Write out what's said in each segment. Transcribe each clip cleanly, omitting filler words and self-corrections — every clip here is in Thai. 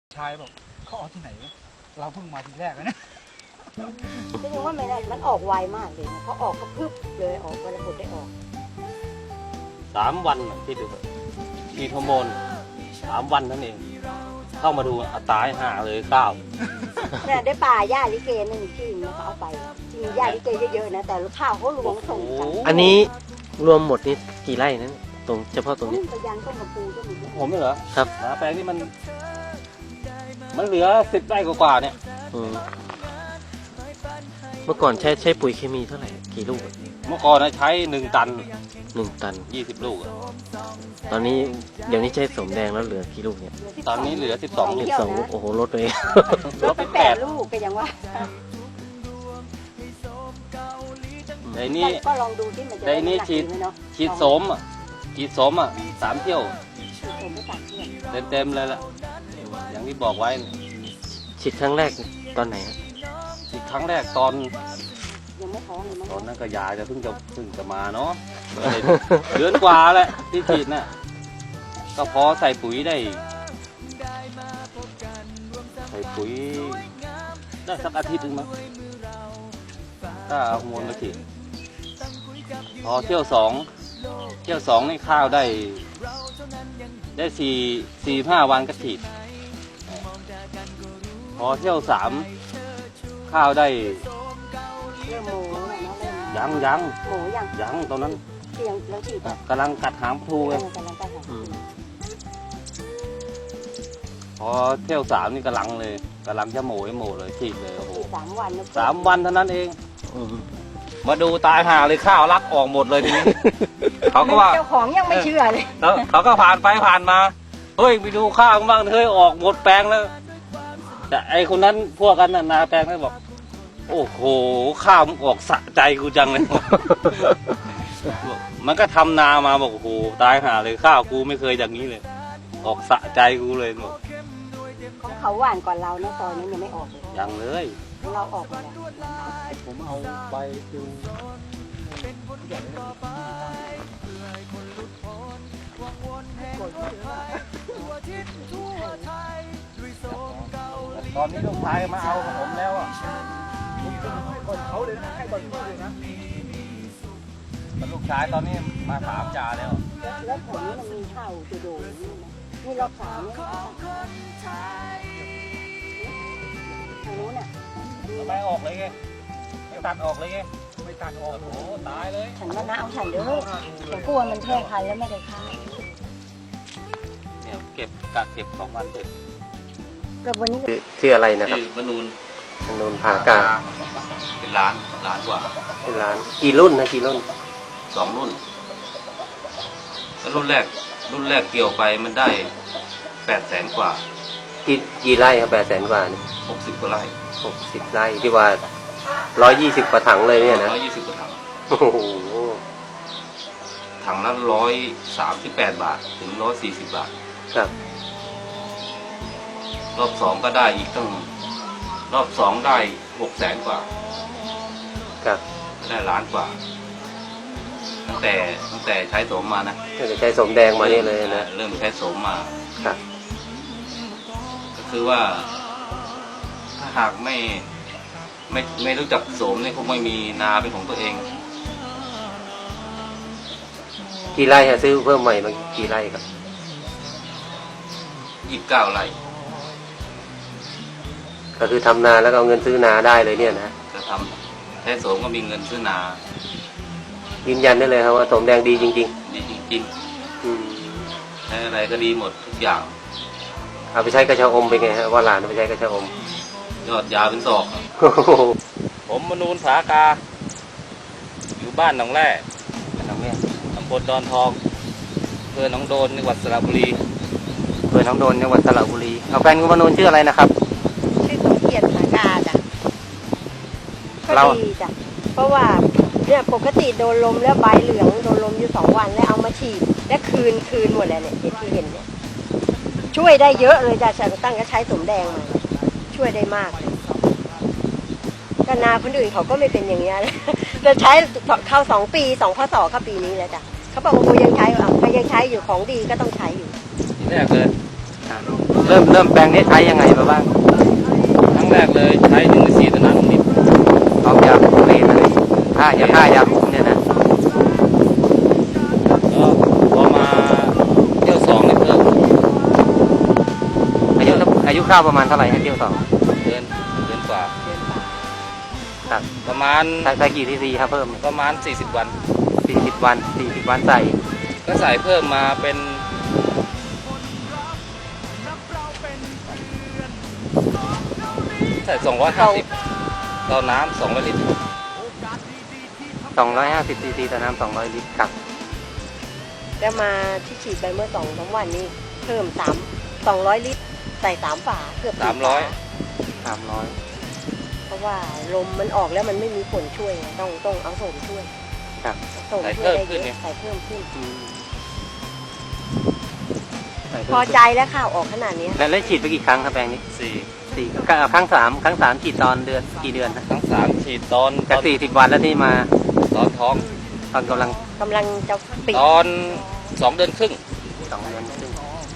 ชายบอกเขาเอาที่ไหนเราเพิ่งมาทีแรกนะก็ยังว่าไม่ได้มันออกไวมากเลยนะพอออกก็พึบเลยออกวันละผลได้ออก 3 วันที่ดูฉีดฮอร์โมน3 วันนั่นเองเข้ามาดูตายห่าเลย9 เนี่ยได้ป่าหญ้าลิเกนั่นที่มันเขาเอาไปจริงหญ้าลิเกเยอะๆนะแต่ข้าวเขาหลวงส่งกันอันนี้รวมหมดนี่กี่ไร่นั้นตรงเฉพาะตรงนี้ไปยังต้นกระปูก็มีผมเหรอครับแปลงนี้มันเหลือ10 ไร่กว่าเนี่ยเมื่อก่อนใช้ปุ๋ยเคมีเท่าไหร่กี่ลูกเมื่อก่อนใช้1 ตัน20 ลูกตอนนี้เดี๋ยวนี้ใช้สมแดงแล้วเหลือกี่ลูกเนี่ยตอนนี้เหลือ12 ลูกโอ้โหลดไปลดไป8 ลูกก็ยังว่าในนี้ก็ลองดูที่มันจะในนี้ฉีดโสม3 เที่ยวเต็มเลยล่ะอย่างที่บอกไว้ฉีดครั้งแรกตอนไหนฮะฉีดครั้งแรกตอนยังไม่ท้องเลยมั้งตอนนั้นก็ยาจะเพิ่งจะมาเนาะเดือนกว่าแหละที่ฉีดน่ะก็พอใส่ปุ๋ยได้สักอาทิตย์นึงมั้งถ้าเอาฮอร์โมนมาฉีดพอเที่ยว2นี่ข้าวได้4-5 วันก็ฉีดพอเที่ยว3ข้าวได้ยังตอนนั้นกำลังกัดหางพลูเลยพอเที่ยว3นี่กำลังจะโหมเลยฉีดเลยโอ้โห3 วันเท่านั้นเองมาดูตายห่าเลยข้าวรักออกหมดเลยทีนี้เขาก็ว่าเจ้าของยังไม่เชื่อเลยแล้วเขาก็ผ่านไปผ่านมาเฮ้ยไปดูข้าวบ้างเฮ้ยออกหมดแปลงแล้วแต่ไอคนนั้นพวกกันนาแปลงนั้นบอกโอ้โหข้าวมันออกสะใจกูจังเลยมันก็ทำนามาบอกโอ้โหตายห่าเลยข้าวกูไม่เคยอย่างนี้เลยออกสะใจกูเลยบอกของเขาหวานก่อนเราเนี่ยตอนนี้ยังไม่ออกเลยยังเลยเราออกมาแล้วผมเอาไปดูตอนนี้ลูกชายมาเอาของผมแล้วอ่ะให้ก่อนเขาเลยนะให้ก่อนเขาเลยนะลูกชายตอนนี้มาถามจ่าแล้วแล้วผมนี่มันมีข้าวจะโดนนี่รอบ3เนี่ยทางนู้นน่ะไม่ออกเลยไงไม่ตัดออกเลยไงไม่ตัดออกโอ้โหตายเลยฉันว่าน้าเอาฉันเด้อผมกลัวมันแพร่พันธุ์แล้วไม่ได้ค่าเนี่ยเก็บ2 วันเสร็จวันนี้ชื่ออะไรนะครับมนูนผากาเป็นล้านกว่าเป็นล้านกี่รุ่น2 รุ่นแล้วรุ่นแรกเกี่ยวไปมันได้800,000 กว่ากี่ไร่ครับ800,000 กว่านี่ 60 กว่าไร่ 60 ไร่ที่ว่า120 กว่าถังเลยเนี่ยนะ 120 กว่าถังโอ้โหถังละ138 บาทถึง140 บาทครับรอบ2ก็ได้อีกตั้งรอบ2ได้600,000 กว่าครับได้1 ล้านกว่าตั้งแต่ใช้โสมมานะตั้งแต่ใช้โสมแดงมานี่เลยนะเริ่มใช้โสมมาครับก็คือว่าถ้าหากไม่รู้จักโสมเนี่ยคงไม่มีนาเป็นของตัวเองกี่ไร่ฮะซื้อเพิ่มใหม่มากี่ไร่ครับ 29 ไร่ก็คือทำนาแล้วก็เอาเงินซื้อนาได้เลยเนี่ยนะจะทำแท้โสมก็มีเงินซื้อนายืนยันได้เลยครับว่าโสมแดงดีจริงๆดีจริงๆใช้อะไรก็ดีหมดทุกอย่างเอาไปใช้กระเช้าอมไปไงฮะว่าหลานเอาไปใช้กระเช้าอมยอดยาเป็นศอกผมมนูนผากาอยู่บ้านหนองแร่ตำบลดอนทองอำเภอหนองโดนจังหวัดสระบุรีเอาแฟนคุณมนูนชื่ออะไรนะครับชื่อสมเกียรติผากาจ้ะก็ดีจ้ะเพราะว่าเนี่ยปกติโดนลมแล้วใบเหลืองโดนลมอยู่2 วันแล้วเอามาฉีดและคืนหมดแล้วเนี่ยที่เห็นเนี่ยช่วยได้เยอะเลยจ้ะฉันตั้งก็ใช้สมแดงมาช่วยได้มากก็นาคนอื่นเขาก็ไม่เป็นอย่างเงี้ยจะใช้เข้า2 ปี2 พศเข้าปีนี้แล้วจ้ะเขาบอกว่ากูยังใช้ก็ยังใช้อยู่ของดีก็ต้องใช้อยู่แรกเลยเริ่มแปลงนี้ใช้ยังไงมาบ้างครั้งแรกเลยใช้1/4ตะนานนิดออกยาคุมอะไรฆ่ายาคุมเนี่ยนะแล้วพอมาเที่ยว2เนี่ยเพิ่มอายุข้าวประมาณเท่าไหร่ให้เที่ยวสองเดือนกว่าครับประมาณใส่กี่ซีซีครับเพิ่มประมาณ40 วัน 40 วันใส่ก็ใส่เพิ่มมาเป็นใส่250ต่อน้ำ200 ลิตร 250ซีซีต่อน้ำ200 ลิตรครับแล้วมาที่ฉีดไปเมื่อ2-3 วันนี้เพิ่ม200 ลิตร ใส่3 ฝาเกือบ4 ฝา 300 เพราะว่าลมมันออกแล้วมันไม่มีฝนช่วยไงต้องเอาโสมช่วยครับโสมช่วยได้เยอะใส่เพิ่มขึ้น พอใจแล้วข้าวออกขนาดนี้แล้วฉีดไปกี่ครั้งครับแปลงนี้ 4 ครั้งสามฉีดตอนเดือนกี่เดือนนะครั้ง3ฉีดตอนจาก40 วันแล้วที่มาตอนท้องตอนกำลังจะปิดตอน2 เดือนครึ่ง 2 เดือนครึ่ง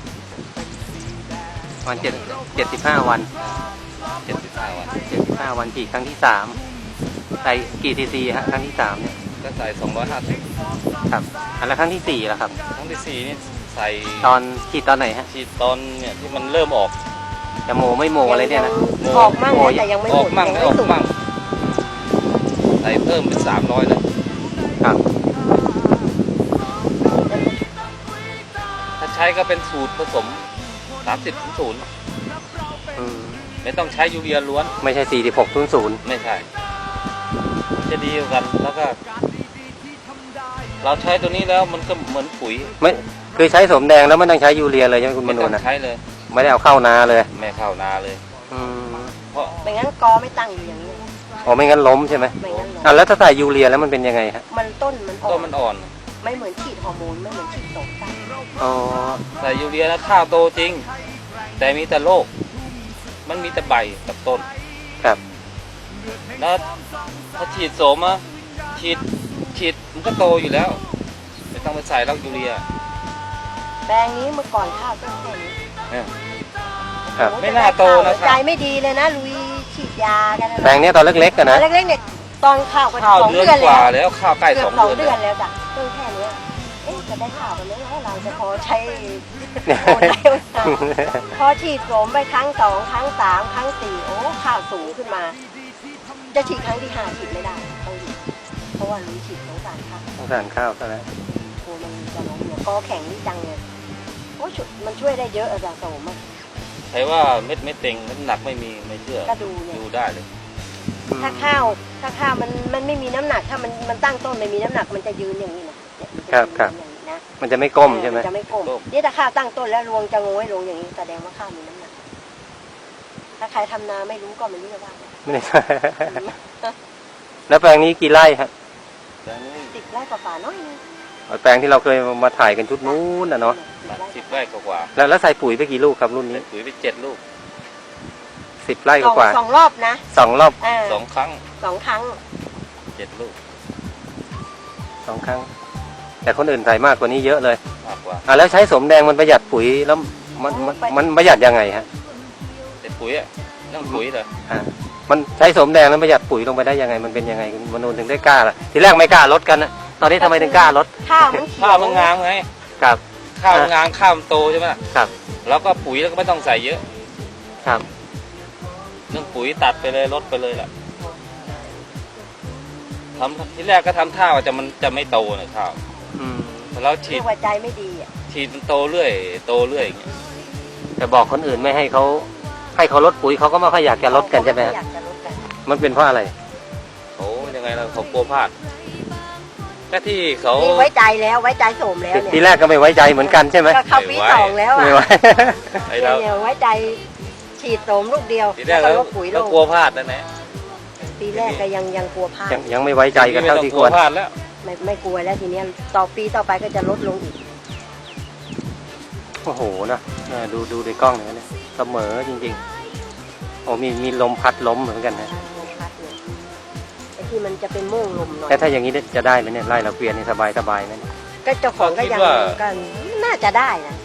วัน75 วัน 75 วัน 75 วันฉีดครั้งที่3ใส่กี่ซีซีฮะครั้งที่3เนี่ยก็ใส่250 ครับแล้วครั้งที่4ล่ะครับครั้งที่4นี่ใส่ตอนฉีดตอนไหนฮะฉีดตอนเนี่ยที่มันเริ่มออกจะโมไม่โมอะไรเนี่ยนะออกมั่งนะแต่ยังไม่หอมอกดมั่งยังไม่ไม่ออกสุกมั่งใส่เพิ่มเป็น300เลยครับถ้าใช้ก็เป็นสูตรผสม30:0 อืมไม่ต้องใช้ยูเรียล้วนไม่ใช่4600 ไม่ใช่จะดีกว่ากันแล้วก็ เราใช้ตัวนี้แล้วมันก็เหมือนปุ๋ยไม่คือใช้สมแดงแล้วไม่ต้องใช้ยูเรียเลยใช่ไหมคุณมไม่นูต้องนะใช้เลยไม่ได้เอาเข้านาเลยไม่เข้านาเลยอืมเพราะไม่งั้นกอไม่ตั้งอยู่อย่างนี้อ๋อไม่งั้นล้มใช่ไหมไม่งั้นอ่ะแล้วถ้าใส่ยูเรียแล้วมันเป็นยังไงฮะมันต้นมันออต้กนมันอ่อนไม่เหมือนฉีดฮอร์โมนไม่เหมือนฉีดโสมตั้งอ๋อใส่ยูเรียแล้วข้าวโตจริง แต่มีแต่โรคมันมีแต่ใบกับต้นครับแล้วถ้าฉีดโสมอะฉีดมันก็โตอยู่แล้วไม่ต้องไปใส่แล้วยูเรียแปลงนี้เมื่อก่อนข้าวต้นแค่นี้เนี่ยครับไม่น่าโตนะครับใจไม่ดีเลยนะลุยฉีดยากันนะแปลงเนี้ยตอนเล็กๆกันตอนะนเล็กๆเนี่ยตอนข้าวก็ข้าว 2 เดือนเดือนกว่าแล้วแล้วข้าวใกล้เกือบ 2 เดือน 2 เดืแล้อวนแล้วจ้ะต้นแค่เนี้ยจะได้ข้าวกันไหมเราจะพอใช้โอนได้ไหมพอฉีดโสมไปครั้ง 2 ครั้ง 3 ครั้ง 4โอ้ข้าวสูงขึ้นมา จะฉีดครั้งที่ 5ฉีดไม่ได้ต้องหยุดเพราะว่าลุยฉีดสงสารข้าวสงสารข้าวซะแล้วโอ้มันจะล้มเนี่ยกอแข็งนี่จังเลยโอ้มันช่วยได้เยอะอะจ้ะโสมอะใครว่าเม็ดไม่เต็งน้ำหนักไม่มีไม่เชื่อก็ดูเนี่ยดูได้เลยถ้าข้าวมันไม่มีน้ำหนักถ้ามันตั้งต้นไม่มีน้ำหนักมันจะยืนอย่างนี้นะเนี่ยมันจะยืนอย่างนี้นะมันจะไม่ก้มใช่ไหมนจะไม่ก้มนี่ถ้าข้าวตั้งต้นแล้วรวงจะโงยลงอย่างนี้แสดงว่าข้าวมีน้ำหนัก ถ้าใครทำนาไม่รู้ก็ไม่รู้จะว่าไงไม่ได้แล้วแปลงนี้กี่ไร่ฮะแต่นี่ 10 ไร่กว่าๆน้อยนึงแปลงที่เราเคยมาถ่ายกันชุดนู้นนะเนาะ 10 ไร่กว่าแล้วใส่ปุ๋ยไปกี่ลูกครับรุ่นๆนี้ใส่ปุ๋ยไป7 ลูก 10 ไร่กว่าสองรอบนะ 2 รอบ 2 ครั้ง 2 ครั้ง 7 ลูก 2 ครั้ง แต่คนอื่นใส่มากกว่านี้เยอะเลยมากกว่าแล้วใช้สมแดงมันประหยัดปุ๋ยแล้วมันประหยัดยังไงฮะแต่ปุ๋ยอะเรื่องปุ๋ยเลยมันใช้สมแดงแล้วประหยัดปุ๋ยลงไปได้ยังไงมันเป็นยังไงคุณมนูนถึงได้กล้าล่ะทีแรกไม่กล้าลดกันนะตอนนี้ทำไมถึงกล้าลดข้าวมันเขียวข้าวมันงามไงครับข้าวมันงามข้าวมันโตใช่ไหมล่ะครับแล้วก็ปุ๋ยแล้วก็ไม่ต้องใส่เยอะครับเรื่องปุ๋ยตัดไปเลยลดไปเลยแหละทำที่แรกก็ทำท่าว่ามันจะไม่โตนะข้าวอืมแต่เราฉีเรีดยกว่าใจไม่ดีอ่ะฉีดมันโตเรื่อยโตเรื่อยอย่างเงี้ยแต่บอกคนอื่นไม่ให้เขาลดปุ๋ยเขาก็ไม่ค่อยอยากจะลดกันใช่ไหมฮะอยากจะลดกันมันเป็นเพราะอะไรโอ้ยังไงเราเขากลัวพลาดแค่ที่เขานี่ไว้ใจแล้วไว้ใจโสมแล้วเนี่ยทีแรกก็ไม่ไว้ใจเหมือนกันใช่ไหมก็เข้าปี 2แล้วอ่ะไม่ไว้ไอ้เราเนี่ยไว้ใจฉีดโสมลูกเดียวทีแรแล้วกก็เราลดปุ๋ยลเรางกลัวพลาดนั่นแหละปีแรกก็ยังกลัวพลาดยังไม่ไว้ใจกันเท่าที่ควรพลาดแล้วไม่กลัวแล้วทีเนี้ยต่อปีต่อไปก็จะลดลงอีกโอ้โหนะดูในกล้องหน่อยนะเสมอจริงๆโอ้มีลมพัดล้มเหมือนกันนะลมพัดเนี่ยไอ้ที่มันจะเป็นโม่งลมหน่อยแต่ถ้าอย่างนี้จะได้ไหมเนี่ยไล่เราเกวียนนี่สบายไหมเนี่ยก็เจ้าของก็ยังกันน่าจะได้นะ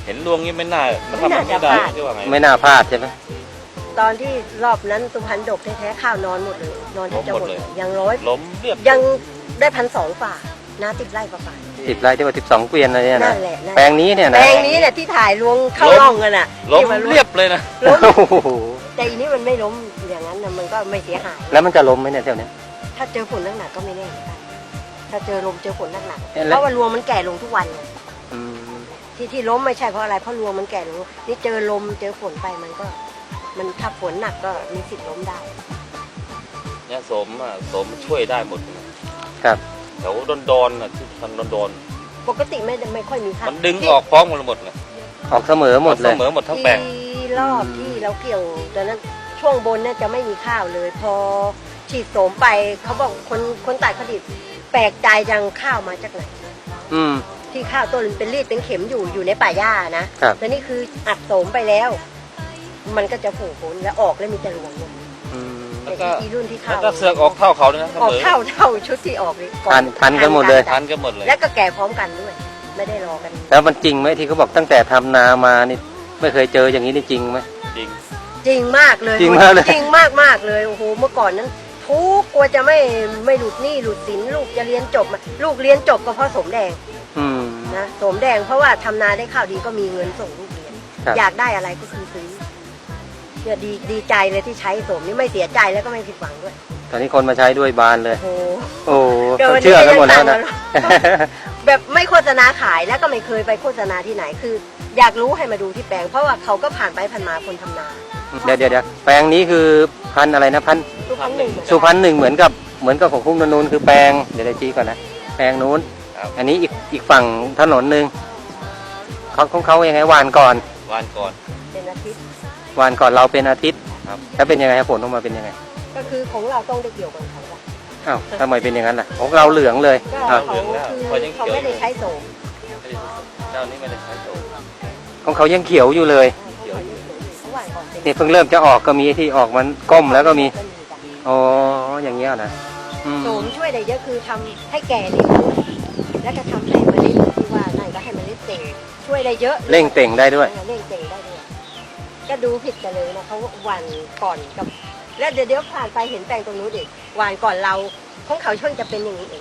เห็นรวงนี้ไม่น่ามันทำไม่ได้ที่ว่าไงไม่น่าพลาดใช่ไหมตอนที่รอบนั้นสุพรรณดกแท้ๆข้าวนอนหมดเลยนอนที่จะหมดเลยยังร้อยล้มเรียบยังได้1,200ฝ่านา10 ไร่กว่าฝ่า 10 ไร่ที่ว่า12 เกวียนอะไรเนี่ยนั่นะนแหละนั่นแปลงนี้เนี่ยแปนะลงนี้เนี่ยที่ถ่ายลวงเข้าร่องกันอ่ะล้มที่นเรียบเลยนะล้มโอ้โหแต่อีนี้มันไม่ล้มอย่างนั้นนะมันก็ไม่เสียหายแล้วมันจะล้มไหมเนี่ยเท่านี้ถ้าเจอฝนหนักๆก็ไม่แน่เหมือนกันถ้าเจอลมเจอฝนหนักๆแล้วเพราะว่ารวงมันแก่ลงทุกวันไงอืมที่ล้มไม่ใช่เพราะอะไรเพราะรวงมันแก่ลงนี่เจอลมเจอฝนไปมันถ้าฝนหนักก็มีสิทธิ์ล้มได้เนี่ยสมช่วยได้หมดครับแถวดอนๆที่ทางดอนปกติไม่ค่อยมีๆค่ามันดึงออกพร้อมกันหมดเลยออกเสมอหมดเลยเสมอหมดทั้งแปลงที่รอบที่เราเกี่ยวตอนนั้นช่วงบนเนี่ยจะไม่มีข้าวเลย พอฉีดโสมไปเขาบอกคนตัดผลิตแปลกใจจังข้าวมาจากไหนอืมที่ข้าวต้นเป็นรีดเป็นเข็มอยู่ในป่าหญ้านะครับ แล้วนี่คืออัดโสมไปแล้ว มันก็จะผูกผลแล้วออกแล้วมีแต่รวงเนี่ยอืมแล้วก็อีรุ่นที่แล้ข้าว วก็เสือกออกเท่าเขาด้วยนะเสออกมอเท่าชุดที่ออกเลยก่อทันกันหมดเลยทันกันหมดเลยแล้วก็แก่พร้อมกันด้วย ไม่ได้รอกันแล้วมันจริงไหมที่เขาบอกตั้งแต่ทำนามานี่ไม่เคยเจออย่างนี้นี่จริงไหมจริงจริงมากเลยจริงมากเลยจริงมากเลยโอ้โหเมื่อก่อนนั้นทุกกลัวจะไม่หลุดหนี้หลุดสินลูกจะเรียนจบมาลูกเรียนจบก็เพราะสมแดงอืมนะสมแดงเพราะว่าทำนาได้ข้าวดีก็มีเงินส่งลูกเรียนครับอยากได้อะไรก็คือซื้อเนี่ยดีใจเลยที่ใช้สมนี่ไม่เสียใจแล้วก็ไม่ผิดหวังด้วยตอนนี้คนมาใช้ด้วยบานเลยโอ้โหโอ้โหเดี๋ยววันนี้เชื่อกันหมดแล้วนะแบบไม่โฆษณาขายแล้วก็ไม่เคยไปโฆษณาที่ไหนคือ อยากรู้ให้มาดูที่แปลง เพราะว่าเขาก็ผ่านไปผ่านมาคนทำนาเดี๋ยวแปลงนี้คือพันธุ์อะไรนะพันธุ์ทุกครั้งหนึ่งสุพรรณหนึ่งเหมือนกับของคุ้งนนูนคือแปลงเดี๋ยวชี้ก่อนนะแปลงนู้นครับอันนี้อีกฝั่งถนนหนึ่งเขาของเขายังไงหวานก่อนวันก่อนเป็นอาทิตย์หวานก่อนเราเป็นอาทิตย์ครับแล้วเป็นยังไงครับผลออกมาเป็นยังไงก็คือของเราต้องได้เกี่ยวกับเขาละอ้าวทำไมเป็นอย่างนั้นล่ะของเราเหลืองเลยก็อ้าวเขาคือเขาไม่ได้ใช้โสมเจ้านี้ไม่ได้ใช้โสมของเขายังเขียวอยู่เลยเขาหวานก่อนเป็นนี่เพิ่งเริ่มจะออกก็มีที่ออกมันก้มแล้วก็มีอ๋ออย่างเงี้ยนะอืมโสมช่วยได้เยอะคือทำให้แก่เร็วแล้วก็ทำให้เมล็ดที่ว่านั่นก็ให้เมล็ดเต่งช่วยได้เยอะเร่งเต่งได้ด้วยเร่งเต่งได้ด้วยก็ดูผิดกันเลยนะเขาหวานก่อนกับ แล้วเดี๋ยวผ่านไปเห็นแปลงตรงนู้นอีกหวานก่อนเราของเขาช่วงจะเป็นอย่างนี้เอง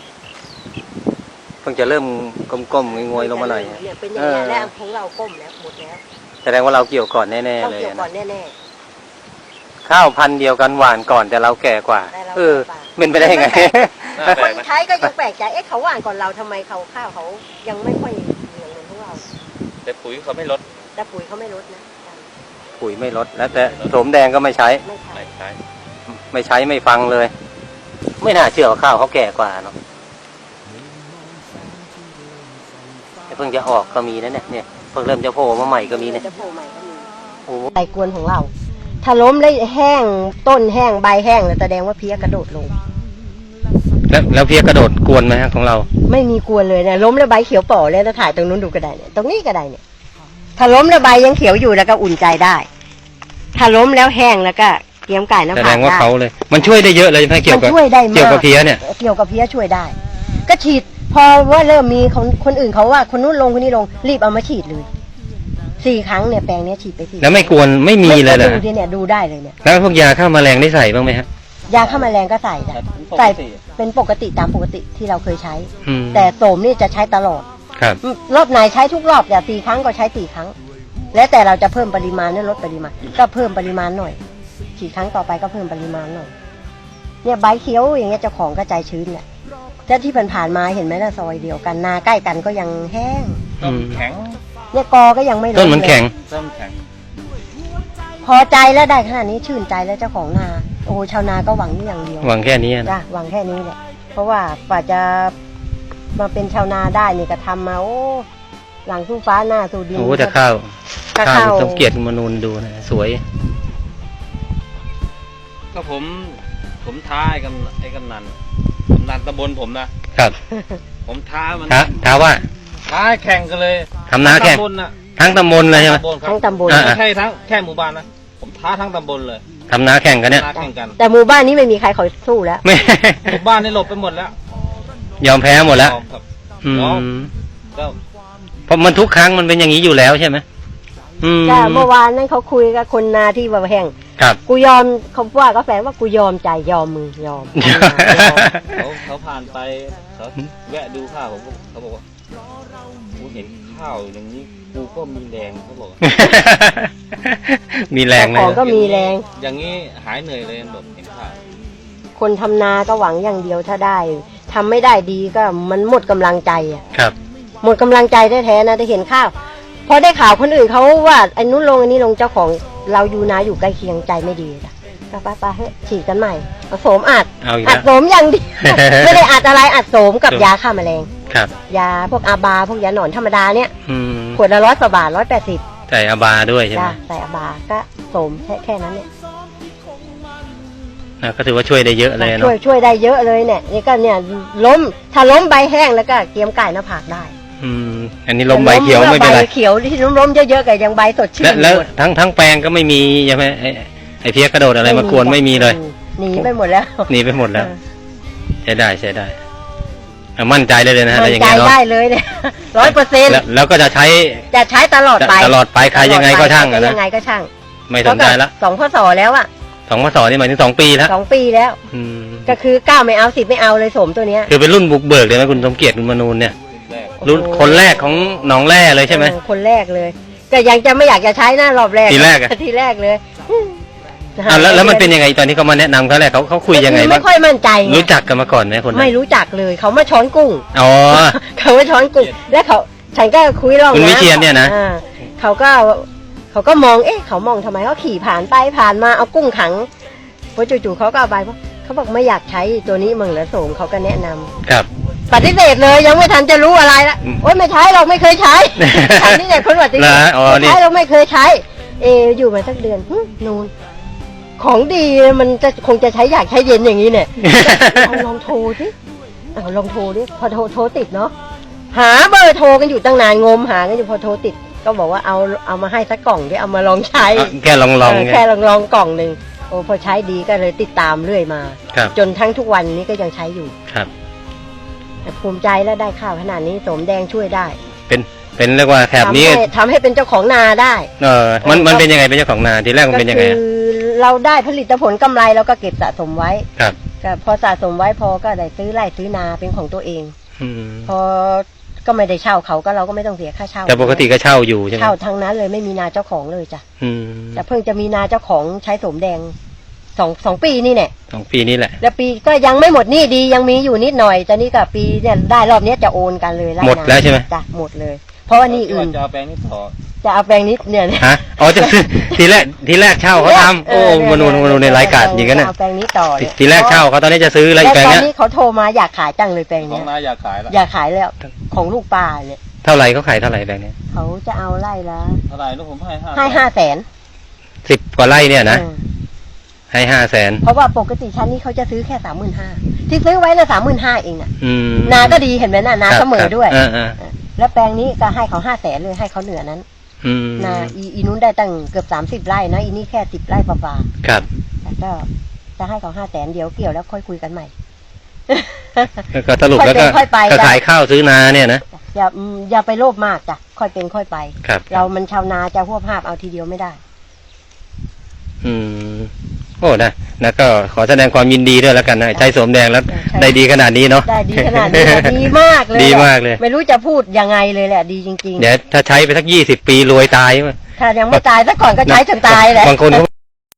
เพิ่งจะเริ่มก้มๆงวยๆลงมาหน่อยเนี่ยเป็นอย่างนี้แล้วของเราก้มแล้วหมดแล้วแสดงว่าเราเกี่ยวก่อนแน่ๆต้องเลยเกี่ยวก่อนนะแน่ข้าวพันธุ์เดียวกันหวานก่อนแต่เราแก่กว่าแต่เราเออแก่กว่าเป็นไปได้ยังไงน่าๆแปคลนกนะใช้ก็ยังแปลกใจเอ๊ะเขาหวานก่อนเราทำไมเขาข้าวเขายังไม่ค่อยเหลืองเหมือนพวกเราแต่ปุ๋ยเขาไม่ลดแต่ปุ๋ยเขาไม่ลดนะปุ๋ยไม่ลดแล้วแต่โสมแดงก็ไม่ใช้ไม่ใช่ไม่ใช้ไม่ใช้ไม่ฟังเลย ไม่น่าเชื่อว่าข้าวเขาแก่กว่าเนาะแต่เพิ่งจะออกก็มีนะเนี่ยเพิ่งเริ่มจะโผล่มาใหม่ก็มีเนี่ยจะโผล่ใหม่ก็มีโอ้โหใบกวนของเรา ถ้าล้มแล้วแห้งต้นแห้งใบแห้งแล้วแสดงว่าเพี้ยกระโดดลงแล้วเพี้ยกระโดดกวนไหมฮะของเราไม่มีกวนเลยนะล้มแล้วใบเขียวป่อเลยแล้วถ่ายตรงนู้นดูก็ได้เนี่ยตรงนี้ก็ได้เนี่ย ถ้าล้มแล้วใบยังเขียวอยู่แล้วก็อุ่นใจได้ ถ้าล้มแล้วแห้งแล้วก็เตรียมไก่น้ำแสผาดงว่าได้เขาเลย มันช่วยได้เยอะเลยใช่ไหมเกี่ยวมันกับช่วยได้มากเกี่ยวกับเพี้ยเนี่ยเกี่ยวกับเพี้ยช่วยได้ ก็ฉีด พอว่าเริ่มมีคนอื่นเขาว่าคนนู้นลงคนนี้ลงรีบเอามาฉีดเลย4 ครั้งเนี่ยแปลงเนี้ยฉีดไป4 แล้วไม่กวนไม่มีเลยเหรอดูดิเนี่ยดูได้เลยเนี่ยแล้วพวกยาฆ่าแมลงได้ใส่บ้างไหมฮะยาฆ่าแมลงก็ใส่ได้ใส่เป็นปกติตามปกติที่เราเคยใช้อืมแต่โสมนี่จะใช้ตลอดครับรอบไหนใช้ทุกรอบอย่า4 ครั้งก็ใช้4 ครั้ง แล้วแต่เราจะเพิ่มปริมาณหรือลดปริมาณก็เพิ่มปริมาณหน่อยฉีดครั้งต่อไปก็เพิ่มปริมาณหน่อยเนี่ยใบเขียวอย่างเงี้ยเจ้าของก็ใจชื้นแหละแต่ที่ผ่านมาเห็นไหมนะซอยเดียวกันนาใกล้กันก็ยังแห้งต้นแข็งเนี่ยกอก็ยังไม่ลดต้นมันแข็งต้นแข็งพอใจแล้วได้ขนาดนี้ชื่นใจแล้วเจ้าของนาโอ้ชาวนาก็หวังนี่อย่างเดียวหวังแค่นี้นะจ้ะหวังแค่นี้แหละเพราะว่ากว่าจะมาเป็นชาวนาได้เนี่ยก็ทำมาโอ้หลังสู้ฟ้าหน้าสู้ดินโอ้แต่ข้าวก็ข้าวเข้าต้องเกียรติมนูนดูนะสวยก็ผมท้าไอ้กำนันตำบลผมนะครับ ผมท้ามันท้าว่าท้าให้แข่งกันเลยทำนาแข่งตำบลน่ะทั้งตำบลเลยใช่ไหมตำบลครับทั้งตำบลอ่าไม่ใช่ทั้งแค่หมู่บ้านนะผมท้าทั้งตำบลเลยทำนาแข่งกันเนี่ยท้าแข่งกันแต่หมู่บ้านนี้ไม่มีใครเขาสู้แล้วไม่หมู่บ้านนี่หลบไปหมดแล้วยอมแพ้หมดแล้วครับอืยอมมก็เพราะมันทุกครั้งมันเป็นอย่างนี้อยู่แล้วใช่ไหมก็เมื่อวานนั้นเขาคุยกับคนนาที่ว่าแห่งครับกูยอมเขาว่าก็แฝงว่ากูยอมใจยอมมึงยอมเขาผ่านไปเขาแวะดูข้าวผมเขาบอกว่ากูเห็นข้าวอย่างนี้กูก็มีแรงเขาบอกมีแรงเลขอย งก็มีแรงอย่างนี้หายเหนื่อยเลยแบบเห็นข้าวคนทำนาก็หวังอย่างเดียวถ้าได้ทำไม่ได้ดีก็มันหมดกำลังใจอ่ะครับหมดกำลังใจแท้ๆนะได้เห็นข้าวพอได้ข่าวคนอื่นเขาว่าไอ้นู้นลงอันนี้ลงเจ้าของเราอยู่นาอยู่ใกล้เคียงใจไม่ดีจ้ะก็ไปเฮ้ยฉีดกันใหม่ผสมอัดเอาอีกอัแล้ดวโสมอย่างเดียว ไม่ได้อัดอะไรอัดโสมกับโสมยาฆ่าแมลงครับยาพวกอาบาพวกยาหนอนธรรมดาเนี่ยอืมขวดละ100 กว่าบาท180 ใส่อาบาด้วยใช่ไหมจ้ะใส่อาบาก็โสมแค่นั้นเนี่ยก็ถือว่าช่วยได้เยอะเลยช่วเนาะยช่วยได้เยอะเลยเนี่ยนี่ก็เนี่ยล้มถ้าล้มใบแห้งแล้วก็เกียมไก่หน้าผากได้อันนี้ลมใบเขียวไม่เป็นไรใบเขียวที่ล้มเยอะๆก็ยังใบสดชื่นแล้วหมดทั้งแปลงก็ไม่มีใช่ไหมไอ้เพี้ยกระโดดอะไรมากวนไม่มีเลยหนีไปหมดแล้วหนีไปหมดแล้ว ใช้ได้มั่นใจเลยนะฮะมั่ถ้าน อย่างใจงี้เนาะได้เลยเนี่ย100% แล้วก็จะใช้จะใช้ตลอดไปตลอดไปใครยังไงก็ช่างอะนะยังไงก็ช่างไม่สนใจละ 2 พศแล้วอ่ะ 2 พศนี่หมายถึง2 ปีแล้ว 2 ปีแล้ว ก็คือ9ไม่เอา10ไม่เอาเลยโสมตัวเนี้ยคือเป็นรุ่นบุกเบิกเลยไหมคุณสมเกียรติคุณมนูนเนี่ยแรกรุ่นคนแรกของหนองแร่เลยใช่ไหมคนแรกเลยก็ยังจะไม่อยากจะใช้หน้ารอบแรกทีแรกอะทีแรกเลยแล้วมันเป็นยังไงตอนที่เขามาแนะนำเขาแรกเขาคุยยังไงคือบ้าไม่งค่อยมั่นใจไงรู้จักกันมาก่อนไหมคนนั้ไม่นรู้จักเลยเขามาช้อนกุ้งอ๋อเขามาช้อนกุ้งแล้วฉันก็คุยเล่าคุณวิเชียรเนี่ยนะอ่าเขาก็มองเขามองทำไมเขาขี่ผ่านไปผ่านมาเอากุ้งขังพอจู่ๆเขาก็เอาใบเขาบอกไม่อยากใช้ตัวนี้มึงเหรอโสมเขาก็แนะนำครับปฏิเสธเลยยังไม่ทันจะรู้อะไรละ โอ๊ยไม่ใช้เราไม่เคยใช้ อันนี้เนี่ยคนปฏิเสธเหรออ๋อนี่ไม่ใช้เราไม่เคยใช้ อยู่มาสักเดือนนูนของดีมันจะคงจะใช้อยากใช้เย็นอย่างนี้เนี่ย ลองโทรสิลองโทรดิพอโทรติดเนาะหาเบอร์โทรกันอยู่ตั้งนานงมหากันอยู่พอโทรติด ก็บอกว่าเอามาให้สักกล่องดิเอามาลองใช้แค่ลองไงแค่ลองกล่องหนึ่งโอ้พอใช้ดีก็เลยติดตามเรื่อยมาครับจนทั้งทุกวันนี้ก็ยังใช้อยู่ครับแต่ภูมิใจแล้วได้ข้าวขนาดนี้โสมแดงช่วยได้เป็นเรียกว่าแถบนี้ทำให้เป็นเจ้าของนาได้มันเป็นยังไงเป็นเจ้าของนาทีแรกมันเป็นยังไงก็คือเราได้ผลิตผลกำไรเราก็เก็บสะสมไว้ครับก็พอสะสมไว้พอก็ได้ซื้อไร่ซื้อนาเป็นของตัวเองอืมพอก็ไม่ได้เช่าเขาก็เราก็ไม่ต้องเสียค่าเช่าแต่ปกติก็เช่าอยู่ใช่ไหมเช่าทั้งนั้นเลยไม่มีนาเจ้าของเลยจ้ะอืมแต่เพิ่งจะมีนาเจ้าของใช้โสมแดงสองปีนี่เนี่ย 2 ปีนี้แหละแล้วปีก็ยังไม่หมดหนี่ดียังมีอยู่นิดหน่อยแต่นี่กับปีเนี่ยได้รอบเนี้ยจะโอนกันเลยไร่หมดแล้วใช่ไหมจ้ะหมดเลย เพราะว่านี่อื่นจะเอาแปลงนี้ต่อจะเอาแปลงนี้เนี่ยฮะอ๋อจะซื้อทีแรกเช่าเขาทำโอ้มนูในรายการอย่างนั้นน่ะเอาแปลงนี้ต่อเลยทีแรกเช่าเขาตอนนี้จะซื้ออะไรแล้วแปลงตอนเนี้ยนี้เขาโทรมาอยากขายจังเลยแปลงน้อเนี้งยนาอยากขายละอยากขายแล้วของลูกปลาเนี่ยเท่าไหร่เขาขายเท่าไหร่แปลงเนี้ยเขาจะเอาไร่ละเท่าไหร่ลูกผมให้ให้500,000 10 กว่าไร่เนี่ยนะให้500,000 เพราะว่าปกติชั้นนี้เขาจะซื้อแค่35,000ที่ซื้อไว้ละ35,000เองน่ะอืมนาก็ดีเห็นไหมน่ะนาเสมอด้วยอ่าแล้วแปลงนี้ก็ให้เขา500,000เลยให้เขาเหนือนั้นอืมนาอีนู้นได้ตั้งเกือบ30 ไร่นะอีนี่แค่10 ไร่ป่าครับๆแต่ก็จะให้เขา500,000เดี๋ยวเกี่ยวแล้วค่อยคุยกันใหม่ก็สรุปแล้วก็ค่อยไปก็ขายข้าวซื้อนาเนี่ยนะอย่าไปโลภมากจ้ะค่อยเป็นค่อยไปครับเรามันชาวนาจะหัวภาพเอาทีเดียวไม่ได้อืมโอ้นะก็ขอแสดงความยินดีด้วยแล้วกันนะใช้โสมแดงแล้วใช่ได้ดีขนาดนี้เนาะได้ดีขนาดนี้ดีมากเลยดีมากเลยไม่รู้จะพูดยังไงเลยแหละดีจริงเดี๋ยวถ้าใช้ไปสัก20 ปีรวยตายๆ ถ้ายังไม่ตายซะก่อนก็ใช้จนตายแหละบางคนเขา